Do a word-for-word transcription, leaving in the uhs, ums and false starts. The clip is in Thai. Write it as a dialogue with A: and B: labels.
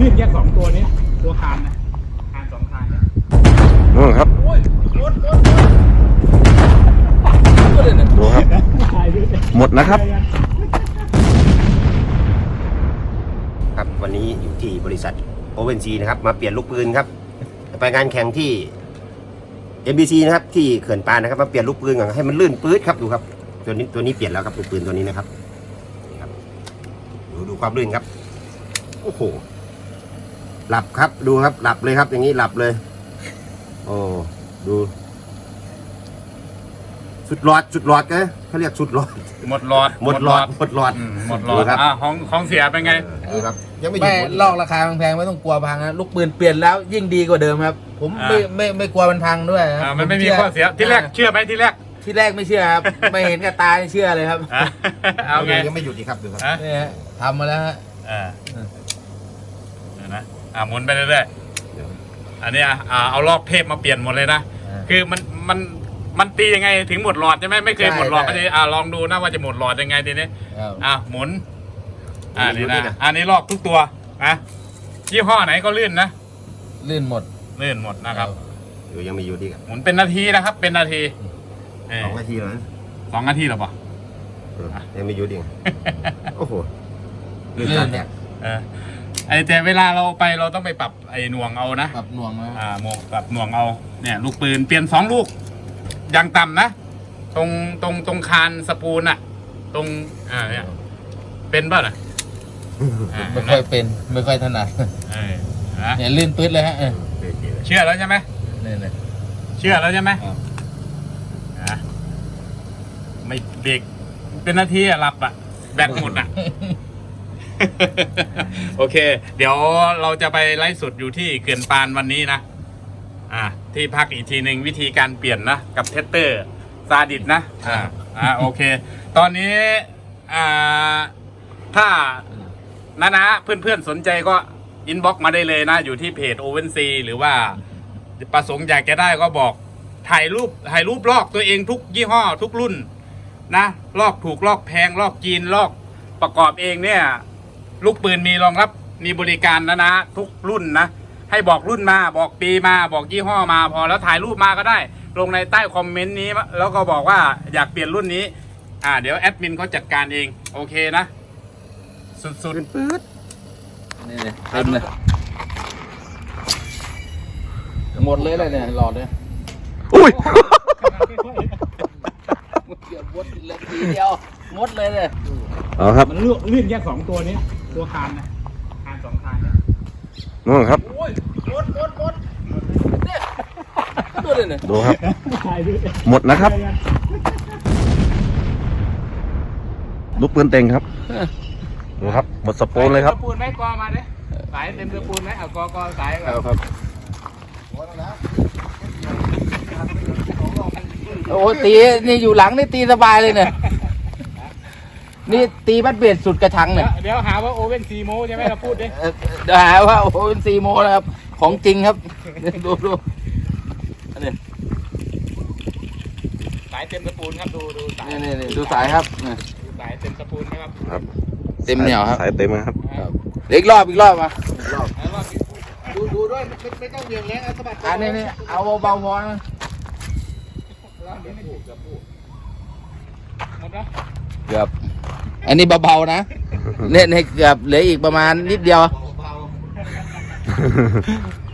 A: ลื่นแยกสองตัวนี้ตัวคานนะคานสองคานเนี่ย
B: นู่นครับดูครับหมดนะครับ
C: ครับวันนี้อยู่ที่บริษัทโอเวนซีนะครับมาเปลี่ยนลูกปืนครับไปงานแข่งที่ เอ็ม บี ซี นะครับที่เขื่อนปานนะครับมาเปลี่ยนลูกปืนก่อนให้มันลื่นปื๊ดครับดูครับตัวนี้ตัวนี้เปลี่ยนแล้วครับลูกปืนตัวนี้นะครับครับดูดูความลื่นครับโอ้โหหลับครับดูครับหลับเลยครับอย่างนี้หลับเลยโอ้ดูสุดหลอดสุดหลอดไงเขาเรียกสุดหลอด
A: หมดหลอด
C: หมดหลอดหมดหลอด
A: หมดหลอดครับอ่าของของเสียเป็นไง
C: ครับยังไม่หยุ
D: ไม่
C: ด
D: ลอกราคาแพงๆไม่ต้องกลัวพังนะลูกปืนเปลี่ยนแล้วยิ่งดีกว่าเดิมครับผมไม่ไม่ไม่กลัวมันพังด้วยครับ
A: มันไม่มีข้อเสียที่แรกเชื่อไหมที่แรก
D: ที่แรกไม่เชื่อครับไม่เห็นกับตาเชื่อเลยครับ
C: เอาไงยังไม่หยุดอีกครับดูครับ
D: นี่ฮะทำมาแล้วฮะ
A: อ่านะอ่าหมุนไปเรื่อยๆอันนี้อ่าเอาลอกเทปมาเปลี่ยนหมดเลยนะคือมันมันมันตียังไงถึงหมดหลอดใช่ไหมไม่เคยหมดหลอดก็จะอ่าลองดูนะว่าจะหมดหลอดยังไงทีนี้อ่าหมุนอ่านี่นะอันนี้ลอกทุกตัวนะยี่ห้อไหนก็ลื่นนะ
D: ลื่นหมด
A: ลื่นหมดนะครับ
C: อยู่ยังไม่หยุดอีก
A: หมุนเป็นนาทีนะครับเป็นนาที
C: สองนาทีแล้ว
A: สองนาทีหรอปะ
C: ยังไม่หยุดอีกโอ้โหลื่นเนี่ย
A: ไอแต่เวลาเราไปเราต้องไปปรับไอหน่วงเอานะ
D: ปรับหน่วงนะ
A: อ่าโมปรับหน่วงเอาเนี่ยลูกปืนเปลี่ยนสองลูกอย่างต่ำนะตรงตรงตรงคานสปูนอะตรงอ่าเนี่ยเป็นป่ะน่ะ
D: ไม่ค่อยเป็นไม่ค่อยถนัดเนี่ยลื่นปื๊ดเลยฮะ
A: เชื่อแล้วใช่ไหม
D: เนี่ย
A: เชื่อแล้วใช่ไหมไม่เบรกเป็นนาทีอะหลับอะแบตหมดอะโอเคเดี๋ยวเราจะไปไลฟ์สดอยู่ที่เขื่อนปานวันนี้นะอ่าที่พักอีกทีหนึ่งวิธีการเปลี่ยนนะกับเทสเตอร์ซาดิสนะอ่าอ่าโอเคตอนนี้อ่าถ้านะนะเพื่อนๆสนใจก็อินบ็อกซ์มาได้เลยนะอยู่ที่เพจโอเวนซีหรือว่าประสงค์อยากจะได้ก็บอกถ่ายรูปถ่ายรูปลอกตัวเองทุกยี่ห้อทุกรุ่นนะลอกถูกลอกแพงลอกจีนลอกประกอบเองเนี่ยลูกปืนมีรองรับมีบริการนะนะทุกรุ่นนะให้บอกรุ่นมาบอกปีมาบอกยี่ห้อมาพอแล้วถ่ายรูปมาก็ได้ลงในใต้คอมเมนต์นี้แล้วก็บอกว่าอยากเปลี่ยนรุ่นนี้อ่าเดี๋ยวแอดมินเขาจัดการเองโอเคนะสุดๆปื๊ด
D: นี่เลยเต็มเลยหมดเลยเลยเนี่ยหลอดเลย
B: อุ้ย
D: เกือบหมดเลยทีเดียวหมดเลยเลย
B: อ๋อครับ
A: มันลื่นแยกสองตัวนี้ตัวคานนะคานสองคานเนี่ย
B: นู่นครับ
D: โอ้ยหมดหมดหมดเนี่ยดูเลยเนี่ย
B: ดูครับหมดนะครับลูกปืนเต็งครับดูครับหมดสปูนเลยครับ
A: สปูนไหมกอมาเด้สายเต็มสปูนไหมเอากอกอสาย
B: เอาครับ
D: โอ้ตีนี่อยู่หลังนี่ตีสบายเลยเนี่ยนี่ตีบัดเบียดสุดกระชังเนี่ย
A: เดี๋ยวหาว่าโอเว่นซีโมใช่ไหมเราพูดดิ
D: เดี๋ยวหาว่าโอเว่นซีโมนะครับของจริงครับดูดูอันนี้
A: สายเต็มสปูนครับดูดูสาย
D: นี่นี่ดูสายครับ
A: สายเต็มสปูนครับ
B: ครับ
D: เต็มเหนียวครับ
B: สายเต็มครับ
D: อีกรอบอีกรอบมา
A: รอบ
D: ดูดูด้วยไม่ต้องเบี่ยงแรงสะบัดอันนี้นี่เอาเบาๆพอนะเกือบอันนี้เบาๆนะเล่นให้เกือบเหลืออีกประมาณนิดเดียว